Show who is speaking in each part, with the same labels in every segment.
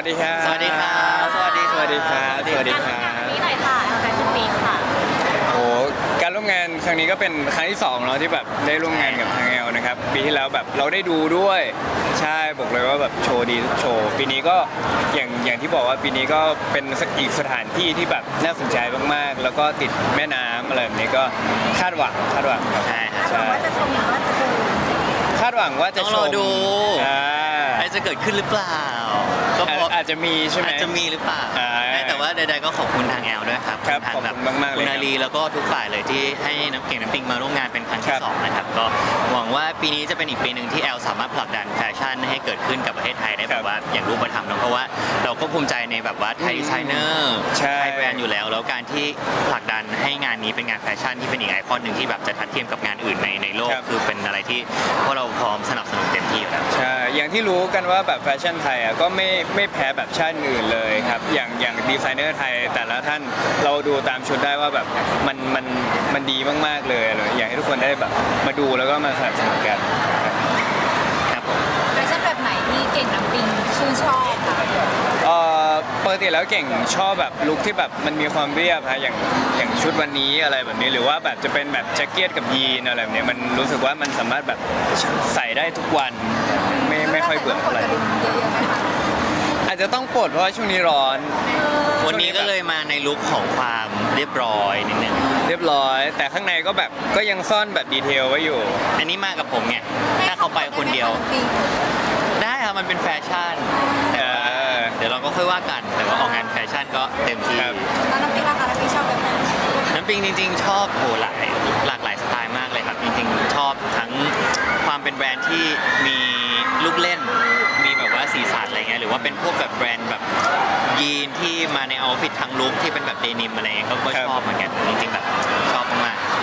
Speaker 1: วัสดีครับ
Speaker 2: สวัสดีครับ
Speaker 1: สวัสดีครับสวัสดีครับ
Speaker 3: นี้หน่อยค่ะแฟชั่นวีคค่ะ
Speaker 1: โอ้การร่วมงานครั้งนี้ก็เป็นครั้งที่2เนาะที่แบบได้ร่วมงานกับทางแอลนะครับปีที่แล้วแบบเราได้ดูด้วยใช่บอกเลยว่าแบบโชว์ดีทุกโชว์ปีนี้ก็อย่างที่บอกว่าปีนี้ก็เป็นอีกสถานที่ที่แบบน่าสนใจมากๆแล้วก็ติดแม่น้ำอะไรแบบนี้ก็คาดหวังครับ
Speaker 2: ใช่ครับ
Speaker 1: ใช่
Speaker 3: ว่าจะชมหรือว่าจะดู
Speaker 1: คาดหวังว่าจะ
Speaker 2: ต้อง
Speaker 1: ช
Speaker 2: รอ
Speaker 1: ม
Speaker 2: ดู
Speaker 1: อ่า
Speaker 2: อะไรจะเกิดขึ้นหรือเปล่าก็พอ
Speaker 1: อาจจะมีใช่ไหม
Speaker 2: อาจจะมีหรือเปล่า
Speaker 1: อ่า
Speaker 2: แต่ว่าใดๆก็ขอบคุณทางแอลด้วยครับ
Speaker 1: ครับ
Speaker 2: ทาง
Speaker 1: ขอบคุณมากๆเลย
Speaker 2: คุณอาลีแล้วก็ทุกฝ่ายเลยที่ให้น้ำเก่งน้ำปิงมาร่วมงานเป็นครั้ง
Speaker 1: ครั
Speaker 2: ที่
Speaker 1: บ
Speaker 2: สองนะครับก็หวังว่าปีนี้จะเป็นอีกปีหนึ่งที่แอลสามารถผลักดันแฟชั่นให้เกิดขึ้นกับประเทศไทยได้แบบว่าอย่างรูปธรรมเนอะเพราะว่าเราก็ภูมิใจในแบบว่าไทยดีไซเนอร์
Speaker 1: ใช่
Speaker 2: ไทยแบรนด์อยู่แล้วการที่ผลักดันให้งานนี้เป็นงานแฟชั่นที่เป็นอีกไอคอนหนึ่งที่แบบจะทัดเทียมกับงานอื่นในโลก
Speaker 1: ครับ
Speaker 2: คือเป็นอะไรที่พวกเราพร้อมสนับสนุนเต็มที่อยู่แล้ว
Speaker 1: ใช่ อย่างที่รู้กันว่าแบบแฟชั่นไทยอ่ะก็ไม่แพ้แบบชาติอื่นเลยครับ อย่างดีไซเนอร์ไทยแต่ละท่านเราดูตามชุดได้ว่าแบบมันดีมากๆเลยอยากให้ทุกคนได้แบบมาดูแล้วก็มาสนับสนุนกันครับ
Speaker 2: ครับผม
Speaker 3: แฟชั่นแบบไหนที่เก่งน้ำปิงชื่นชอบค่ะ
Speaker 1: ปกติแล้วเก่งชอบแบบลุคที่แบบมันมีความเรียบฮะอย่างชุดวันนี้อะไรแบบนี้หรือว่าแบบจะเป็นแบบแจ็คเก็ตกับยีนอะไรแบบนี้มันรู้สึกว่ามันสามารถแบบใส่ได้ทุกวันไม่ค่อยเบื่ออะไร
Speaker 3: เยอะๆไหมคะ
Speaker 1: อาจจะต้องปลดเพราะว่าช่วงนี้ร้อน
Speaker 2: วันนี้ก็เลยมาในลุคของความเรียบร้อยนิดนึง
Speaker 1: เรียบร้อย แต่ข้างในก็แบบก็ยังซ่อนแบบดีเทลไว้อยู่
Speaker 2: อันนี้มากับผมไงถ้าเขาไปคนเดียว ได้ครับมันเป็นแฟชั่นแต่ว่า
Speaker 1: เออ
Speaker 2: เดี๋ยวเราก็ค่อยว่ากัน แต่ว่าออกงานแฟชั่นก็เต็มที่
Speaker 1: ครับ
Speaker 3: แล้วน้ำปิงล่ะคะน้ำปิงชอบแบบไหน
Speaker 2: น้ำปิงจริงๆ ชอบหลากหลายสไตล์มากเลยครับ จริงๆ ชอบทั้งความเป็นแบรนด์ที่มีลูกเล่น มีแบบว่าสีสันอะไรเงี้ยหรือว่าเป็นพวกแบบแบรนด์แบบยีนที่มาในเอาท์ฟิตทั้งลุคที่เป็นแบบเดนิมอะไรเงี้ยก็ชอบเหมือนกันจริงๆแบบชอบมากๆ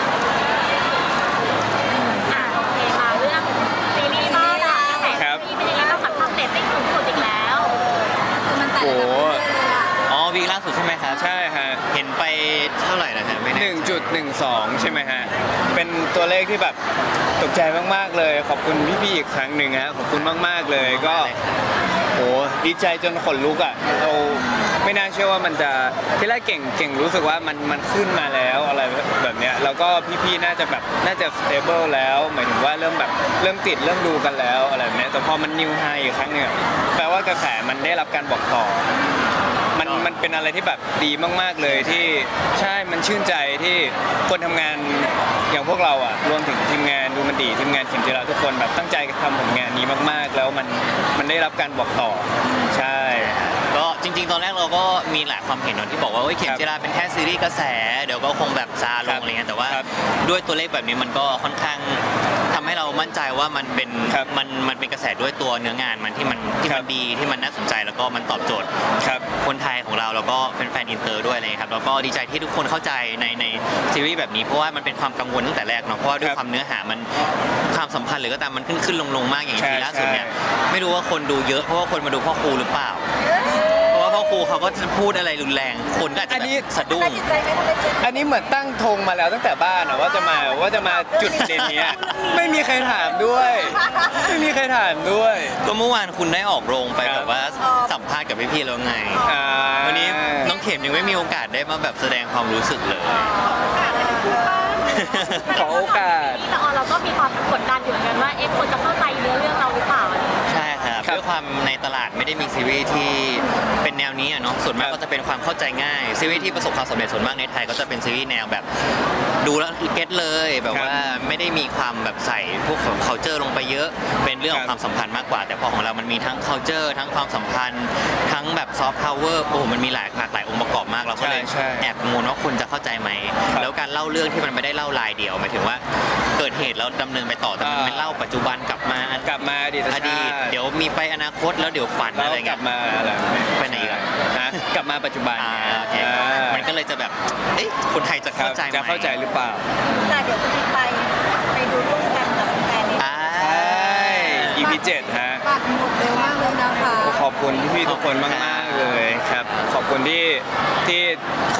Speaker 3: โอเคค่ะเรื่องซีรีส์บ้างนะแต่
Speaker 1: ครับ
Speaker 3: ซีรีส์เป็นยังไงบ้างคะทำเรตติ้งสูงสุดอีกแล้วคือมันแต่ละ
Speaker 1: โอ้
Speaker 3: เรื่องเลยอะ
Speaker 2: อ๋อวีคล่าสุดใช่ไหมครับ
Speaker 1: ใช่ฮะ
Speaker 2: เห็นไปเท่าไหร่นะฮะไม่แน่
Speaker 1: 1.12 ใช่ไหมฮะ เป็นตัวเลขที่แบบตกใจมากๆเลย ขอบคุณพี่ๆอีกครั้งหนึ่งฮะขอบคุณมากๆเลยก็โหดีใจจนขนลุกอ่ะเราไม่น่าเชื่อว่ามันจะที่แรกเก่งรู้สึกว่ามันขึ้นมาแล้วอะไรแบบเนี้ยแล้วก็พี่ๆน่าจะสเตเบิลแล้วหมายถึงว่าเริ่มติดเริ่มดูกันแล้วอะไรแบบเนี้ยแต่พอมันนิวไฮอีกครั้งหนึงอะแปลว่ากระแสมันได้รับการบอกต่อ มันเป็นอะไรที่แบบดีมากๆเลยที่ใช่มันชื่นใจที่คนทำงานอย่างพวกเราอ่ะรวมถึงทีมงานดูมันดีทีมงานเข็มจิราทุกคนแบบตั้งใจทำผลงานนี้มากๆ แล้วมันได้รับการบอกต่อใช่
Speaker 2: ก็จริงๆ ตอนแรกเราก็มีหลายความเห็นเนอะที่บอกว่าเฮ้ยเข็มจิราเป็นแค่ซีรีส์กระแส เดี๋ยวก็คงแบบซาล
Speaker 1: ครั
Speaker 2: ง
Speaker 1: บ
Speaker 2: อะไรเงี้ยแต่ว่า
Speaker 1: ครับ
Speaker 2: ด้วยตัวเลขแบบนี้มันก็ค่อนข้างทำให้เรามั่นใจว่ามันเป็น
Speaker 1: ครับ
Speaker 2: มันเป็นกระแสด้วยตัวเนื้องานมันที่มัน
Speaker 1: ครับ
Speaker 2: ดีที่มันน่าสนใจแล้วก็มันตอบโจทย์
Speaker 1: ครับ
Speaker 2: คนไทยของเราแล้วก็เป็นแฟนอินเตอร์ด้วยอะไรเลยครับแล้วก็ดีใจที่ทุกคนเข้าใจในซีรีส์แบบนี้เพราะว่ามันเป็นความกังวลตั้งแต่แรกเนาะเพราะว่าด้วย
Speaker 1: ครับ
Speaker 2: ความเนื้อหามันความสัมพันธ์หรือก็ตามมันขึ้นลงมากอย่าง
Speaker 1: ใช่
Speaker 2: ทีล่าสุดเนี่ย
Speaker 1: ใช่
Speaker 2: ไม่รู้ว่าคนดูเยอะเพราะว่าคนมาดูพ่อครูหรือเปล่า เพราะว่าพ่อครูเขาก็จะพูดอะไรรุนแรง คนก็อาจจะ
Speaker 1: อันนี้
Speaker 2: แบบสะดุ้ง
Speaker 3: จิตใจไม่ได้เจ็บ
Speaker 1: อันนี้เหมือนตั้งธงมาแล้วตั้งแต่บ้านอะว่าจะมาจุดเด่นเนี้ยไม่มีใครถามด้วย ไม่มีใครถามด้วย
Speaker 2: ก็เมื่อวานคุณได้ออกโรงไป
Speaker 1: ครับ
Speaker 2: แบบว่าสัมภาษณ์กับพี่ๆแล้วไง
Speaker 1: อ่า
Speaker 2: วันนี้น้องเข็มยังไม่มีโอกาสได้มาแบบแสดงความรู้สึกเลย
Speaker 1: ขอโอกาส
Speaker 3: แต่เราก็มีความกดดันอยู่เหมือนกันว่าคนจะเข้าใจเนื้อเรื่องเราหรือเปล่า
Speaker 2: ใช่ครับ
Speaker 1: ครับ
Speaker 2: ด้วยความในตลาดไม่ได้มีซีรีส์ที่เป็นแนวนี้อะเนาะส่วนมาก
Speaker 1: ครับ
Speaker 2: ก็จะเป็นความเข้าใจง่ายซีรีส์ที่ประสบความสำเร็จส่วนมากในไทยก็จะเป็นซีรีส์แนวแบบดูแล้วเก็ตเลยแบบ
Speaker 1: ครับ
Speaker 2: ว่าไม่ได้มีความแบบใส่พวกของ culture ลงไปเยอะ เป็นเรื่องของ
Speaker 1: ครับ
Speaker 2: ความสัมพันธ์มากกว่า แต่พอของเรามันมีทั้ง culture ทั้งความสัมพันธ์ ทั้งแบบ soft power โอ้โหมันมีหลากหลายองค์ประกอบมากเราก็เลย
Speaker 1: ใช่
Speaker 2: แอบกังวลว่าคนจะเข้าใจไหม
Speaker 1: ครับ
Speaker 2: แล้วการเล่าเรื่องที่มันไม่ได้เล่ารายเดียวหมายถึงว่าเกิดเหตุแล้วดำเนินไปต่อแต่มันเป็นเล่าปัจจุบันกลับมา
Speaker 1: กลับมาอดีต
Speaker 2: อ
Speaker 1: ชาติ
Speaker 2: ดีตเดี๋ยวมีไปอนาคตแล้วเดี๋ยวฝัน
Speaker 1: แล้ว
Speaker 2: อะไร
Speaker 1: ก
Speaker 2: เงี้
Speaker 1: ลั
Speaker 2: ย
Speaker 1: บมาอะไร
Speaker 2: ไปไหนอีกอะ
Speaker 1: ฮะกลับมาปัจจุบัน
Speaker 2: โอเค
Speaker 1: อ่า
Speaker 2: มันก็เลยจะแบบเอ๊ะคนไทยจะ
Speaker 1: ครั
Speaker 2: เข้า
Speaker 1: บ
Speaker 2: ใจไหม
Speaker 1: จะเข้าใจหรือเปล่า
Speaker 3: แต่เดี๋ยวจะมีไปดูร่วมกันกับแฟนๆนี่
Speaker 2: อ่า
Speaker 1: ใช่ EP 7ฮะ
Speaker 3: ปัดหมดเร็วมากเลยนะคะ
Speaker 1: ขอบคุณพี่ๆทุกคนมากๆเลยครับ ขอบคุณที่เข้ามา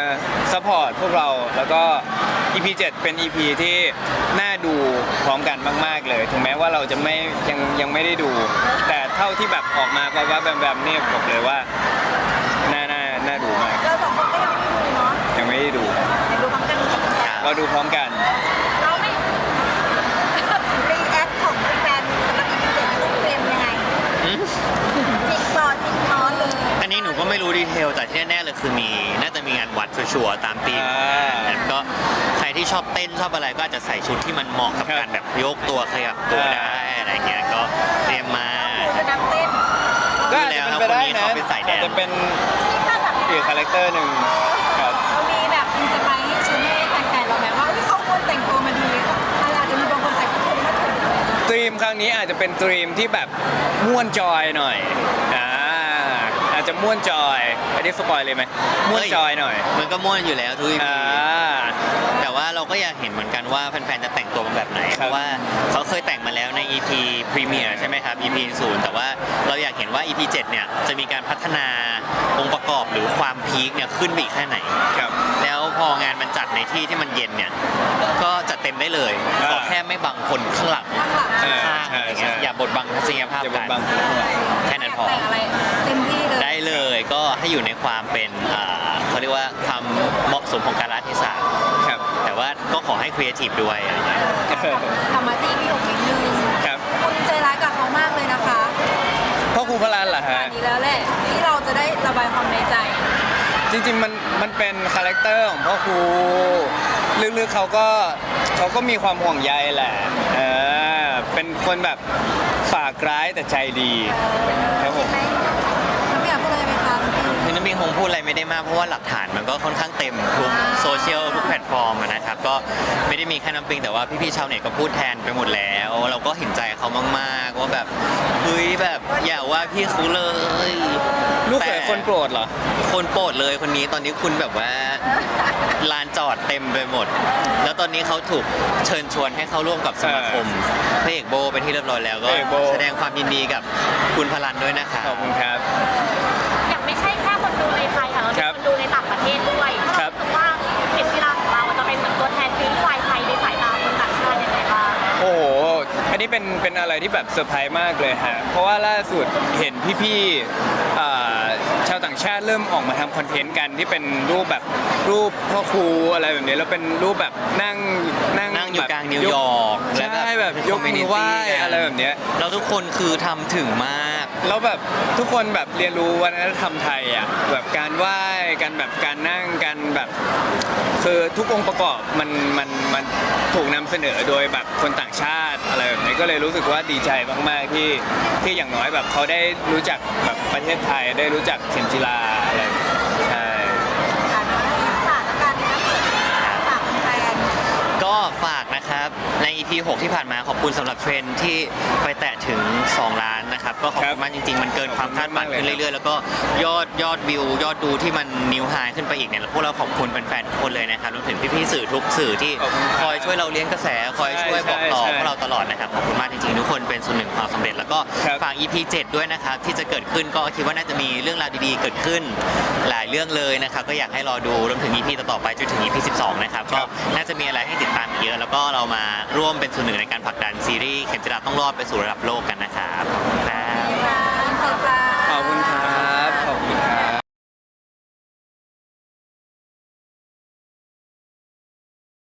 Speaker 1: ซัพพอร์ตพวกเราแล้วก็ EP 7 เป็น EP ที่น่าดูพร้อมกันมากๆเลยถึงแม้ว่าเราจะไม่ยังไม่ได้ดู แต่เท่าที่แบบออกมาว่าแบบนี่บอกเลยว่าน่าดูมาก
Speaker 3: เราสองคนก็ยังไม่ได้ดูเนาะ
Speaker 1: ยังไม่ได้ดู
Speaker 3: เดี๋ยวดูพร้อมกันกับแฟน
Speaker 1: เราดูพร้อมกัน
Speaker 3: เราไม่รีแอคของแฟนสำหรับ EP 7ลูกเฟรมยังไง
Speaker 2: อืม
Speaker 3: จริงปอจริงน้อนเลย
Speaker 2: อันนี้หนูก็ไม่รู้ดีเทลแต่ที่แน่ๆเลยคือน่าจะมีงานวัดชัวร์ๆตามธีมแล้วก็ใครที่ชอบเต้นชอบอะไรก็อาจจะใส่ชุดที่มันเหมาะกับการแบบยกตัวขยับตัวได้อะไรเงี้ยก็เตรียมมา
Speaker 3: จะนับเต้น
Speaker 1: ก็อาจจะเป็นไปได้นะ
Speaker 2: คนนี้เขาเป็นสายแดน
Speaker 1: อาจจะเป็น
Speaker 3: ถ้าแบบ
Speaker 1: อีกคาแรคเตอร์หนึ่งครับ
Speaker 3: เรามีแบบอินสไปร์ให้ชุดให้แฟนๆเราไหมว่าเขาควรแต่งตัวมาดีอาจจะมีบางคนใส่กระโปรงมาถึง
Speaker 1: ตรีมครั้งนี้อาจจะเป็นตรีมที่แบบม่วนจอยหน่อยอาจจะม่วนจอยอันนี้สปอยเลยไหมม่วนจอยหน่อย
Speaker 2: มันก็ม่วนอยู่แล้วทุก EP
Speaker 1: อ่า
Speaker 2: แต่ว่าเราก็อยากเห็นเหมือนกันว่าแฟนๆจะแต่งตัวเป็นแบบไหน
Speaker 1: ครับ
Speaker 2: เพราะว่าเขาเคยแต่งมาแล้วใน EP พรีเมียร์ใช่ไหมครับ EP 0แต่ว่าเราอยากเห็นว่า EP 7เนี่ยจะมีการพัฒนาองค์ประกอบหรือความพีคเนี่ยขึ้นไปอีกแค่ไหน
Speaker 1: ครับ
Speaker 2: แล้วพองานมันจัดในที่ที่มันเย็นเนี่ยก็จัดเต็มได้เลย
Speaker 1: อ่า
Speaker 2: ขอแค่ไม่บังคนข้างหลัง
Speaker 3: ข้างหลัง
Speaker 2: ข้างๆอะไรเงี้ย
Speaker 1: ใช่
Speaker 2: อย่าบดบังทัศนียภาพ
Speaker 1: จะ
Speaker 2: กัน
Speaker 1: บาง
Speaker 2: แค่นั้นพอ
Speaker 3: แต่งอะไรเต็มที่เลย
Speaker 2: ได้เลยก็ให้อยู่ในความเป็นเขาเรียกว่าความเหมาะสมของการรัฐศาสตร์
Speaker 1: ครับ
Speaker 2: แต่ว่าก็ขอให้ครีเอทีฟด้วยอะไรเงี้ย
Speaker 3: ทำมาที่พี่หกนิดนึง
Speaker 1: ครับ
Speaker 3: คุณใจร้ายกับเขามากเลยนะคะ
Speaker 1: พ่อครูพระลานเหรอ
Speaker 3: อั
Speaker 1: ฮะ
Speaker 3: นนี้แล้วแหละที่เราจะได้ระบายความในใจ
Speaker 1: จริงๆมันเป็นคาแรคเตอร์ของพ่อครูลึกๆเขาก็มีความห่วงใยแหละเป็นคนแบบฝากร้ายแต่ใจดีครับผม
Speaker 3: น้ำอยากพูดอะไรไหมคะน้ำปิง
Speaker 2: คือน้ำบิงคงพูดอะไรไม่ได้มากเพราะว่าหลักฐานมันก็ค่อนข้างเต็มทุกโซเชียลทุกแพลตฟอร์มอะนะครับก็ไม่ได้มีแค่น้ำปิงแต่ว่าพี่ๆชาวเน็ตก็พูดแทนไปหมดแล้ว เราก็เห็นใจเขามากๆว่าแบบเฮ้ยแบบอย่าว่าพี่เขาเลย
Speaker 1: ลูกเขยคนโปรดเหรอ
Speaker 2: คนโปรดเลยคนนี้ตอนนี้คุณแบบว่าลานจอดเต็มไปหมด แล้วตอนนี้เขาถูกเชิญชวนให้เข้าร่วมกับสมาคมพระเอกโบเป็นที่เรียบร้อยแล้วก็
Speaker 1: พระเอกโบ
Speaker 2: แสดงความยินดีกับคุณพลันด้วยนะคะ
Speaker 1: ขอบคุณครับ
Speaker 3: อย่างไม่ใช่แค่คนดูในไทยค่ะเรา
Speaker 1: ครั
Speaker 3: เป็น
Speaker 1: บ
Speaker 3: คนดูในต่างประเทศด้วย
Speaker 1: ครับ
Speaker 3: รู้สึกว่าเห็นกีฬาของเราจะเป็นเหมือนตัวแทนซีรีส์วายไทยในสายตาคนต่างชาติยังไงบ้าง
Speaker 1: โอ้โห อันนี้เป็นอะไรที่แบบเซอร์ไพรส์มากเลยฮะ เพราะว่าล่าสุดเห็นพี่ๆชาวต่างชาติเริ่มออกมาทำคอนเทนต์กันที่เป็นรูปแบบรูปพ่อครูอะไรแบบนี้แล้วเป็นรูปแบบนั่ง
Speaker 2: นั่งอยู่
Speaker 1: แบบ
Speaker 2: กลางนิวยอร์ก
Speaker 1: ใช่แบบยกมือไหว้อะไรแบบเนี้ย
Speaker 2: แล้วทุกคนคือทำถึงมาก
Speaker 1: แล้วแบบทุกคนแบบเรียนรู้วัฒนธรรมไทยอ่ะแบบการไหว้กันแบบการนั่งกันแบบคือทุกองค์ประกอบมันถูกนำเสนอโดยแบบคนต่างชาติอะไรแบบนี้ก็เลยรู้สึกว่าดีใจมากๆที่อย่างน้อยแบบเขาได้รู้จักแบบประเทศไทยได้รู้จักเข็มจีราอะไรแบบนี้ใช่
Speaker 3: ฝากกันนะฝากแฟน
Speaker 2: ก็ฝากนะครับใน EP 6 ที่ผ่านมาขอบคุณสำหรับเทรนด์ที่ไปแตะถึง 2 ล้านนะครับก็ขอบคุณมากจริงๆ มันเกินความคาดหวังขึ้นเรื่อยๆ แล้วก็ยอดวิวยอดดูที่มันนิวไฮขึ้นไปอีกเนี่ยพวกเราขอบคุณแฟนๆทุกคนเลยนะครับรวมถึงพี่ๆสื่อทุกสื่อที่คอยช่วยเราเลี้ยงกระแสคอยช่วยบอกต่อพวกเราตลอดนะครับขอบคุณมากจริงๆทุกคนเป็นส่วนหนึ่งของความสำเร็จแล้วก็ฝาก EP 7 ด้วยนะครับที่จะเกิดขึ้นก็คิดว่าน่าจะมีเรื่องราวดีๆเกิดขึ้นหลายเรื่องเลยนะครับก็อยากให้รอดูรวมถึง EP ต่อๆไปจนถึง EP 12 นะครับก็น่าจะมีอะไรให้ติดตามอีกเยอะแล้วก็เรามาร่วมเป็นส่วนหนึ่งในการผลักดันซีรีส์เข็มจิราต้องรอดไปสู่ระดับโลกกันนะครับขอบคุณครับ